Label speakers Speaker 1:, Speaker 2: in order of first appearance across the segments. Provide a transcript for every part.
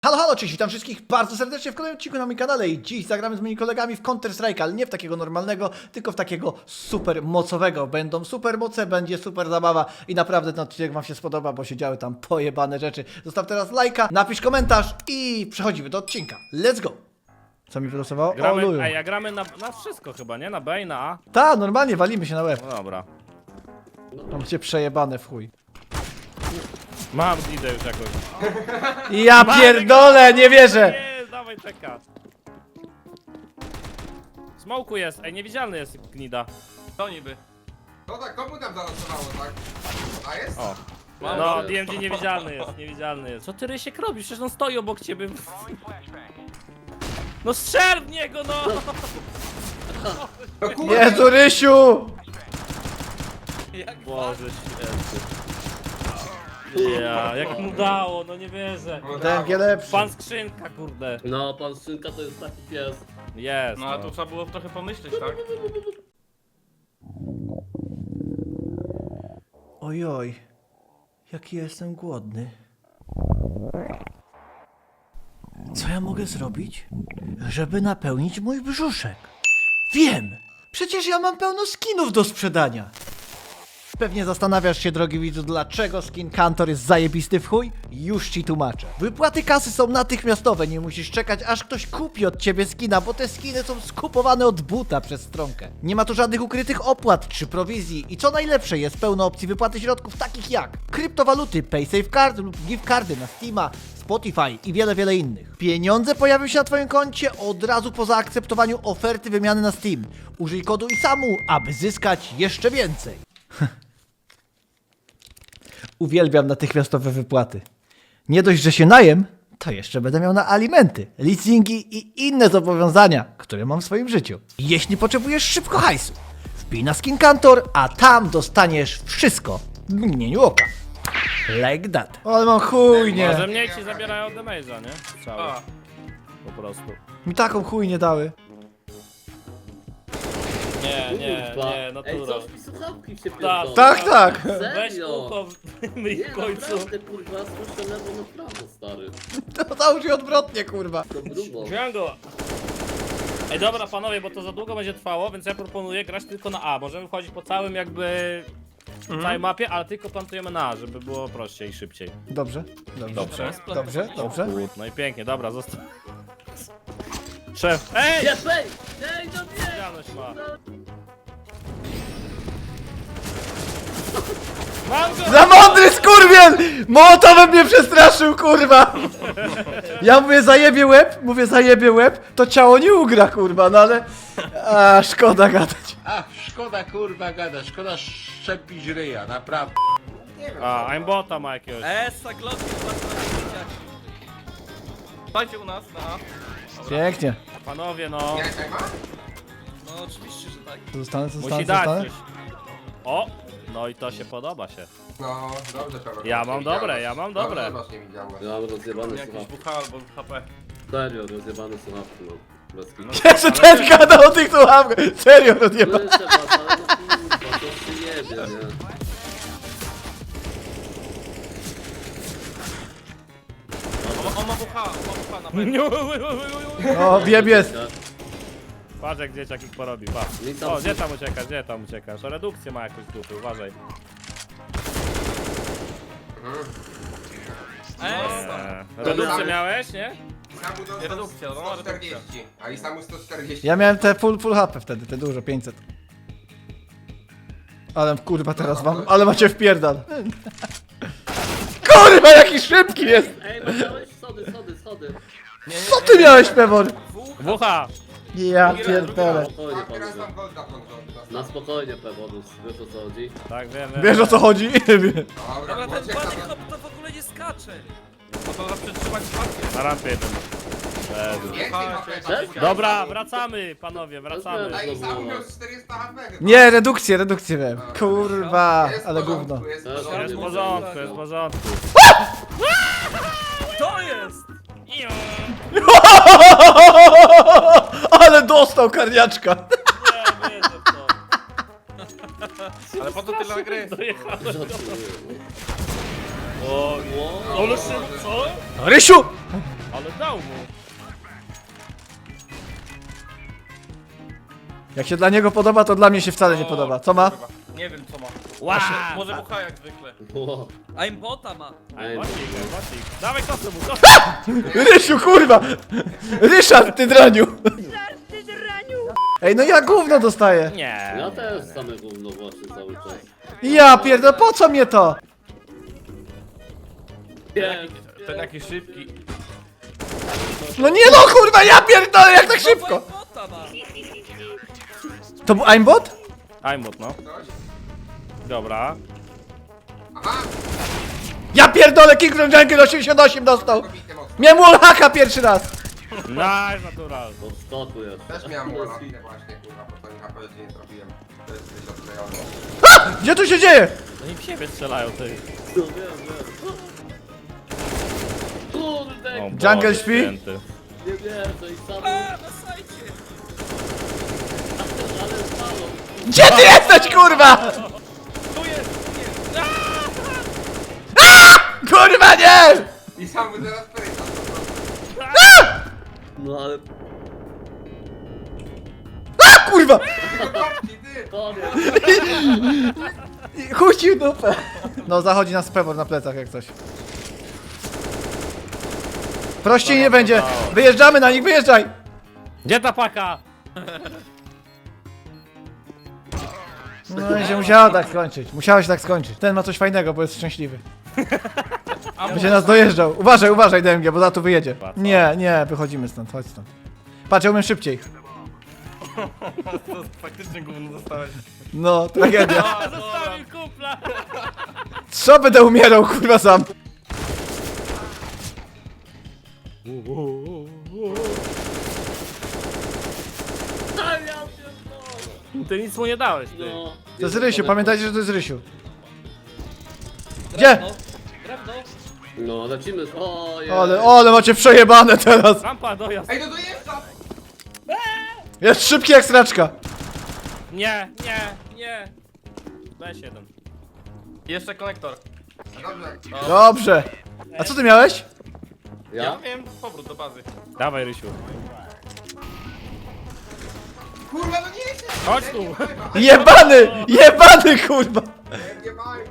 Speaker 1: Halo, halo, cześć, witam wszystkich bardzo serdecznie w kolejnym odcinku na moim kanale i dziś zagramy z moimi kolegami w Counter Strike, ale nie w takiego normalnego, tylko w takiego super mocowego. Będą super moce, będzie super zabawa i naprawdę ten odcinek wam się spodoba, bo się działy tam pojebane rzeczy. Zostaw teraz lajka, napisz komentarz i przechodzimy do odcinka. Let's go! Co mi wylosowało? O, luju.
Speaker 2: Ej, a gramy na wszystko chyba, nie? Na B i na A?
Speaker 1: Ta, normalnie walimy się na łeb.
Speaker 2: No dobra.
Speaker 1: Mam cię przejebane w chuj.
Speaker 2: Mam idę już jakoś.
Speaker 1: Ja pierdolę, nie wierzę!
Speaker 2: Nie, dawaj czeka. Smoku jest, ej, niewidzialny jest gnida.
Speaker 3: To niby.
Speaker 4: No tak, komu tam zalosowało, tak? A jest?
Speaker 2: O.
Speaker 3: Mam
Speaker 2: No,
Speaker 3: go.
Speaker 2: DMG niewidzialny jest, niewidzialny jest. Co ty Rysiek robisz? Przecież on stoi obok ciebie. No strzel w niego, no!
Speaker 4: No kurwa!
Speaker 1: Jezu, Rysiu!
Speaker 2: Boże święty. Ja, jak mu dało, no nie wierzę.
Speaker 4: No
Speaker 1: DMG
Speaker 4: dało.
Speaker 1: lepszy.
Speaker 2: Pan skrzynka, kurde.
Speaker 5: No, pan Szynka to jest taki pies.
Speaker 2: Jest.
Speaker 3: No ale tu trzeba było trochę pomyśleć, tak?
Speaker 1: Ojoj, jaki jestem głodny. Co ja mogę zrobić, żeby napełnić mój brzuszek? Wiem! Przecież ja mam pełno skinów do sprzedania! Pewnie zastanawiasz się, drogi widzu, dlaczego skin Kantor jest zajebisty w chuj? Już ci tłumaczę. Wypłaty kasy są natychmiastowe, nie musisz czekać, aż ktoś kupi od ciebie skina, bo te skiny są skupowane od buta przez stronkę. Nie ma tu żadnych ukrytych opłat czy prowizji i co najlepsze, jest pełno opcji wypłaty środków takich jak kryptowaluty, PaySafeCard lub gift cardy na Steama, Spotify i wiele innych. Pieniądze pojawią się na twoim koncie od razu po zaakceptowaniu oferty wymiany na Steam. Użyj kodu ISAMU, aby zyskać jeszcze więcej. Uwielbiam natychmiastowe wypłaty. Nie dość, że się najem, to jeszcze będę miał na alimenty, leasingi i inne zobowiązania, które mam w swoim życiu. Jeśli potrzebujesz szybko hajsu, wbij na Skin Kantor, a tam dostaniesz wszystko w mgnieniu oka. Like that. Ale mam chujnie.
Speaker 2: Może mniej ci zabierają od damage'a, nie? Strzały.
Speaker 3: A,
Speaker 2: Po prostu.
Speaker 1: Mi taką chujnie dały.
Speaker 2: Nie,
Speaker 5: Kurwa.
Speaker 2: nie,
Speaker 5: Ej,
Speaker 2: natura.
Speaker 5: coś mi słuchawki się
Speaker 2: Tak.
Speaker 5: pierdolą.
Speaker 1: Tak.
Speaker 2: Weź
Speaker 5: Serio?
Speaker 2: ucho, myj
Speaker 5: Nie,
Speaker 2: w końcu.
Speaker 5: naprawdę, kurwa, słyszę lewo na prawo, stary.
Speaker 1: To załóż się odwrotnie, kurwa.
Speaker 5: To grubo.
Speaker 2: Django. Ej, dobra panowie, bo to za długo będzie trwało, więc ja proponuję grać tylko na A. Możemy wchodzić po całym jakby... całej mapie, ale tylko plantujemy na A, żeby było prościej i szybciej.
Speaker 1: Dobrze. Dobrze.
Speaker 2: No i pięknie, dobra, zostaw. Szef, ej!
Speaker 5: Jest, ej! Ej, no nie!
Speaker 2: Widzialność ma. Mam go!
Speaker 1: Za mądry skurwiel! Mołotowem mnie przestraszył, kurwa! Ja mówię zajebie łeb, to ciało nie ugra, kurwa, no ale... A, szkoda gadać.
Speaker 6: A, szkoda kurwa gada, szkoda szczepić ryja, naprawdę.
Speaker 2: A, aimbota ma jakiegoś.
Speaker 3: Esa, glotki, Dajcie u nas, na A.
Speaker 1: Pięknie.
Speaker 2: Panowie, no.
Speaker 4: Nie, tak ma?
Speaker 3: No oczywiście, że tak.
Speaker 2: Musi dać coś. O! No i to się podoba się.
Speaker 4: No, dobrze, Paweł.
Speaker 2: Ja mam dobre, ja mam dobre.
Speaker 4: Dobrze, masz niewidzialność.
Speaker 5: Ja mam rozjebane
Speaker 3: Jakiś
Speaker 5: słuchawki.
Speaker 3: WH albo HP.
Speaker 5: Serio, rozjebane słuchawki, no. Bez kitu.
Speaker 1: Jeszcze ten gadał o tych słuchawkach. Serio, rozjeba.
Speaker 5: Słyszę was, ale no kurwa, to się jebie, nie?
Speaker 3: On ma WH na pewno.
Speaker 1: O, wiem jest.
Speaker 2: Patrz jak dzieciak ich porobi, patrz.
Speaker 5: Nie tam-
Speaker 2: O, gdzie tam uciekasz? O, redukcję ma jakąś dupy, uważaj. Redukcję miałeś, nie?
Speaker 4: Samu dostał
Speaker 3: Redukcja, no,
Speaker 4: 140, a i samu 140.
Speaker 1: Ja miałem te full HP wtedy, te dużo, 500. Ale kurwa teraz wam, ale macie wpierdal. Kurwa, jaki szybki jest!
Speaker 5: Ej, masz schody.
Speaker 1: Co ty miałeś, Pewor?
Speaker 2: Wucha!
Speaker 1: Ja pierdolę.
Speaker 5: Spokojnie,
Speaker 4: A teraz
Speaker 5: panowie.
Speaker 4: tam golda włączony.
Speaker 5: Na spokojnie, Pewodus, wiesz o co chodzi?
Speaker 2: Tak, wiem.
Speaker 1: Wiesz o co chodzi?
Speaker 4: Dobra,
Speaker 3: Dobra, ten
Speaker 4: ucieka
Speaker 3: bany
Speaker 4: tam.
Speaker 3: hop to w ogóle nie skacze. No to zawsze trzymać spację.
Speaker 2: Na rampie jeden. Jezu.
Speaker 4: Więcej HP.
Speaker 5: Cześć.
Speaker 2: Dobra, wracamy, panowie, wracamy.
Speaker 4: A i samu miał 400 HP chyba.
Speaker 1: Nie, redukcję miałem. Kurwa,
Speaker 4: Jest w
Speaker 1: ale
Speaker 4: porządku,
Speaker 1: gówno.
Speaker 4: Jest w
Speaker 5: Jest
Speaker 2: Jest w
Speaker 4: porządku.
Speaker 2: porządku, jest w porządku.
Speaker 3: To jest!
Speaker 1: Ale dostał karniaczka.
Speaker 2: Nie, wierzę w to.
Speaker 3: Ale po to tyle gry.
Speaker 2: Dojechałem.
Speaker 5: Żartuję.
Speaker 2: O,
Speaker 5: Wow.
Speaker 2: ale szybko, co?
Speaker 1: Rysiu!
Speaker 2: Ale dał mu.
Speaker 1: Jak się dla niego podoba, to dla mnie się wcale nie podoba. Co ma?
Speaker 3: Kurwa, nie wiem co ma.
Speaker 2: Wow.
Speaker 3: Może bucha jak zwykle.
Speaker 5: O,
Speaker 3: Aimbota ma.
Speaker 2: Ej, bocik. Dawaj kosę mu, kosę.
Speaker 1: Rysiu, kurwa! Ryszard, ty draniu! Ej, no ja gówno dostaję.
Speaker 2: Nie.
Speaker 5: ja też same gówno właśnie cały czas.
Speaker 1: Ja pierdolę, po co mnie to?
Speaker 5: Jest,
Speaker 3: Ten jaki szybki.
Speaker 1: No nie no, kurwa, ja pierdolę, jak tak szybko!
Speaker 3: Aimbota ma.
Speaker 1: To był aimbot?
Speaker 2: Aimbot, no.
Speaker 4: Coś?
Speaker 2: Dobra.
Speaker 4: Aha!
Speaker 1: Ja pierdolę, King from Jungle 88 dostał!
Speaker 4: Kobity mocno.
Speaker 1: Miałem wallhacka pierwszy raz!
Speaker 2: Nice, natural.
Speaker 5: od skoku jest.
Speaker 4: Też miałem łalatkę właśnie, kurwa, po tym HP nie trafiłem. To jest gdzieś odklejony.
Speaker 1: Gdzie tu się dzieje?
Speaker 2: Oni w siebie strzelają, ty.
Speaker 5: No wiem. Kurde,
Speaker 2: O
Speaker 1: Jungle
Speaker 2: Boże
Speaker 1: śpi?
Speaker 2: święty.
Speaker 5: nie wierzę i sam...
Speaker 3: Na sajcie.
Speaker 5: Ale spalą.
Speaker 1: Gdzie ty jesteś, kurwa?
Speaker 3: Tu jest.
Speaker 1: Kurwa, nie!
Speaker 4: I sam mu teraz pryta, po prostu.
Speaker 5: No ale...
Speaker 1: A, kurwa!
Speaker 4: Kopci, ty!
Speaker 5: Koniec.
Speaker 1: Chuścił dupę. No, zachodzi nas pewor na plecach jak coś. Prościej nie będzie. Wyjeżdżamy na nich, wyjeżdżaj!
Speaker 2: Gdzie ta paka?
Speaker 1: No i się musiało tak skończyć. Musiało się tak skończyć. Ten ma coś fajnego, bo jest szczęśliwy. Będzie nas dojeżdżał. Uważaj, uważaj, DMG, bo za tu wyjedzie. Nie, nie, wychodzimy stąd, chodź stąd. Patrz, ja umiem szybciej.
Speaker 3: To faktycznie gówno dostałeś.
Speaker 1: No, tragedia.
Speaker 2: Zostawił kumpla.
Speaker 1: Co będę umierał, kurwa, sam?
Speaker 5: A ja pierdolę.
Speaker 2: Ty nic mu nie dałeś, ty.
Speaker 5: No.
Speaker 1: To jest Rysiu, pamiętajcie, że to jest Rysiu. Gdzie?
Speaker 3: Drewno.
Speaker 5: No, lecimy. O, jest.
Speaker 1: Ale macie przejebane teraz.
Speaker 2: Rampa, dojazd.
Speaker 4: Ej, no dojeżdża!
Speaker 1: Jest szybki jak straczka.
Speaker 2: Nie, nie, nie. Weź jeden.
Speaker 3: Jeszcze konektor.
Speaker 4: Dobrze.
Speaker 1: Dobrze. A co ty miałeś?
Speaker 3: Ja
Speaker 5: Ja?
Speaker 3: miałem powrót do bazy.
Speaker 2: Dawaj, Rysiu.
Speaker 4: Kurwa, no nie jest!
Speaker 2: Chodź tu.
Speaker 1: Jebany! Jebany, kurwa!
Speaker 4: Nie mają.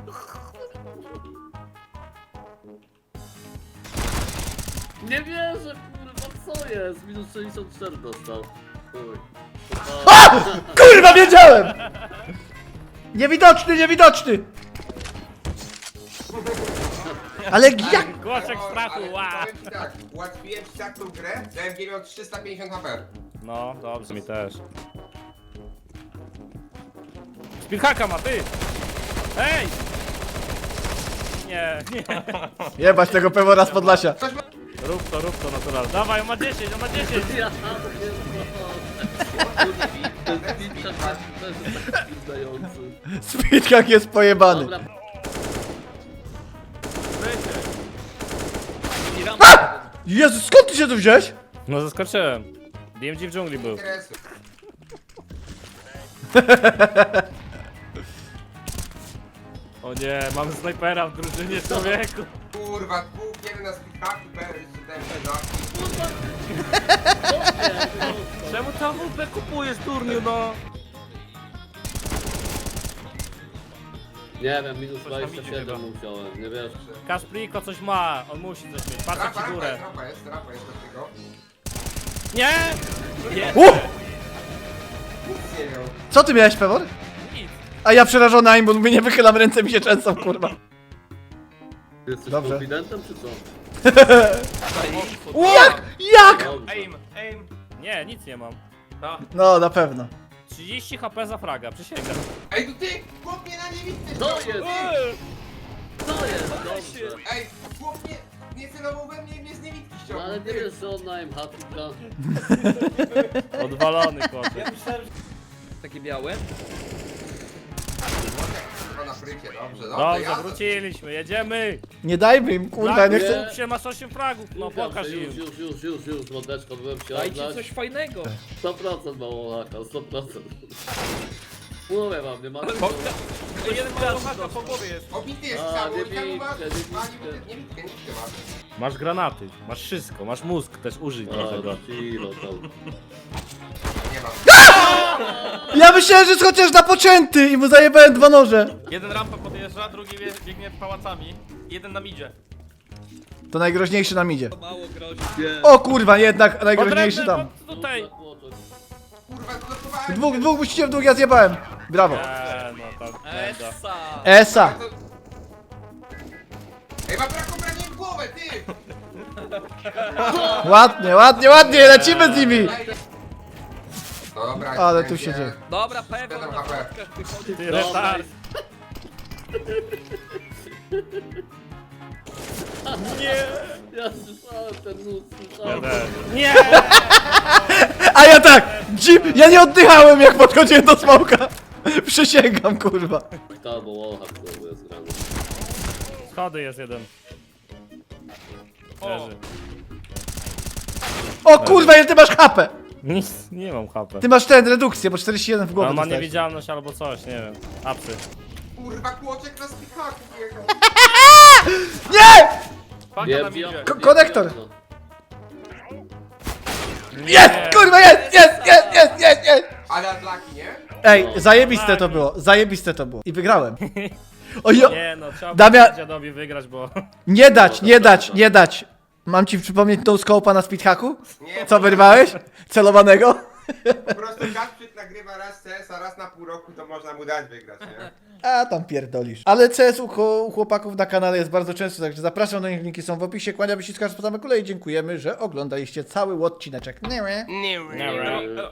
Speaker 5: Nie wierzę, kurwa, co jest? Minus 64 dostał. Chuj.
Speaker 1: A! Kurwa, wiedziałem! Niewidoczny, niewidoczny! Ale jak?
Speaker 2: Głoszek strachu,
Speaker 4: Ale
Speaker 2: ła.
Speaker 4: powiem ci tak, ułatwiłem ci tak tą grę, DMG miał 350 HP.
Speaker 2: No, dobrze, mi też. Speedhacka ma, ty! Ej! Nie, nie.
Speaker 1: Jebać tego pewora z Podlasia.
Speaker 2: Rób to, natural. Dawaj, on ma 10, on ma 10!
Speaker 5: Ja pierdolę. Ten speedhack też jest taki zdający.
Speaker 1: Speedhack jest pojebany.
Speaker 5: Dobra,
Speaker 1: Jezu, skąd ty się tu wziąłeś?
Speaker 2: No zaskoczyłem. DMG w dżungli był.
Speaker 4: Interesu.
Speaker 2: O nie, mamy snajpera w drużynie, człowieku.
Speaker 4: Kurwa, dwóch, jeden na speedhacku, jeszcze DMG na...
Speaker 2: Czemu ta WP kupujesz turniu, no?
Speaker 5: nie wiem, minus
Speaker 3: Coś tam idzie
Speaker 5: 27
Speaker 3: chyba.
Speaker 5: musiałem, nie wiesz.
Speaker 2: Kaspriko coś ma, on musi coś mieć. Patrzę
Speaker 4: Rapa,
Speaker 2: ci górę.
Speaker 4: rapa jest do tego.
Speaker 2: Nie!
Speaker 4: Nic nie miał.
Speaker 1: Co ty miałeś, pewor?
Speaker 2: Nic.
Speaker 1: A ja przerażony aimbot, mówię, nie wychylam ręce, mi się często, kurwa.
Speaker 5: Ty jesteś
Speaker 1: Dobrze.
Speaker 5: konfidentem, czy co?
Speaker 1: Jak? Jak?
Speaker 5: Dobrze.
Speaker 3: Aim.
Speaker 2: Nie, nic nie mam.
Speaker 1: No, na pewno.
Speaker 2: 30 HP za fraga, przysięgam.
Speaker 4: Ej, to ty! Chłop mnie na niewidce
Speaker 5: To
Speaker 4: ściągnął,
Speaker 5: jest!
Speaker 4: ty!
Speaker 5: To jest, dobrze.
Speaker 4: Ej, chłop nie celował we mnie i mnie z niewidki
Speaker 5: No
Speaker 4: ściągnął,
Speaker 5: ale nie
Speaker 4: ty!
Speaker 5: wiesz, że on na MH-ika.
Speaker 2: Odwalony kotek.
Speaker 3: Takie białe.
Speaker 4: Chyba na frycie, dobrze,
Speaker 2: Dobrze,
Speaker 4: jazda.
Speaker 2: wróciliśmy, jedziemy!
Speaker 1: Nie dajmy im, kurwa, nie chcę.
Speaker 2: Skup się, masz 8 fragów, no pokaż im.
Speaker 5: Już, mordeczko, byłem się
Speaker 3: Dajcie
Speaker 5: oddać.
Speaker 3: coś fajnego.
Speaker 5: 100% mało laka, 100%. Mówię wam, nie ma...
Speaker 3: Jeden mało haka po głowie jest.
Speaker 4: Obity jest
Speaker 5: A,
Speaker 4: cały,
Speaker 5: nie
Speaker 4: i tam
Speaker 5: bitkę,
Speaker 4: masz...
Speaker 5: nie bitkę.
Speaker 4: Nie bitkę masz.
Speaker 2: Masz granaty, masz wszystko, masz mózg też użyj trochę
Speaker 5: A,
Speaker 2: go.
Speaker 5: na chwilę tam.
Speaker 4: Nie masz.
Speaker 1: Ja myślałem, że jest chociaż napoczęty i mu zajebałem 2 noże.
Speaker 3: Jeden rampę podjeżdża, drugi biegnie pałacami. Jeden na midzie.
Speaker 1: To najgroźniejszy nam idzie.
Speaker 3: Mało grozi.
Speaker 5: Nie.
Speaker 1: O kurwa, jednak najgroźniejszy tam.
Speaker 2: Tutaj!
Speaker 4: Kurwa, blokowałem.
Speaker 1: Dwóch musicie w dwóch, ja zjebałem. Brawo.
Speaker 2: No tam, prawda.
Speaker 3: Essa!
Speaker 1: Esa.
Speaker 4: Ej, ma brak obrania w głowę, ty!
Speaker 1: Ładnie, ładnie, ładnie, lecimy z nimi.
Speaker 4: Dobra,
Speaker 1: Ale tu
Speaker 4: będzie.
Speaker 1: się dzieje.
Speaker 3: Dobra, pewno
Speaker 4: Siedem
Speaker 3: na
Speaker 4: HP.
Speaker 3: spotkach wychodzi.
Speaker 2: Ty retard!
Speaker 5: Ja słyszałem ten nóż, słyszałem.
Speaker 2: Nie!
Speaker 1: A ja tak! Ja nie oddychałem jak podchodziłem do smoka. Przysięgam, kurwa.
Speaker 5: To bo wallhack znowu jest grany.
Speaker 2: Schody jest jeden. Leży.
Speaker 1: O kurwa, ile ty masz HP?
Speaker 2: Nic, nie mam HP.
Speaker 1: Ty masz ten, redukcję, bo 41 w głowę
Speaker 2: On ma
Speaker 1: dostałeś.
Speaker 2: niewidzialność albo coś, nie wiem. Apsy.
Speaker 4: Kurwa, kłoczek na spichaku jechał.
Speaker 1: Nie!
Speaker 3: Paka na midzie.
Speaker 1: Konektor. Jest! Kurwa, jest!
Speaker 4: Ale Adlaki, nie?
Speaker 1: Ej, zajebiste to było, zajebiste to było. I wygrałem. Ojo,
Speaker 2: Nie no, trzeba
Speaker 1: Damian-
Speaker 2: było dziadowi wygrać, bo...
Speaker 1: nie dać. Mam ci przypomnieć no scope'a na speedhacku?
Speaker 4: Nie,
Speaker 1: Co wyrwałeś? Celowanego?
Speaker 4: po prostu Kasprzyk nagrywa raz CS, a raz na pół roku, to można mu dać wygrać, nie?
Speaker 1: A tam pierdolisz. Ale CS u chłopaków na kanale jest bardzo często, także zapraszam do nich, linki są w opisie. Kłaniamy się z każdej kolei. Dziękujemy, że oglądaliście cały odcineczek.
Speaker 2: Nie.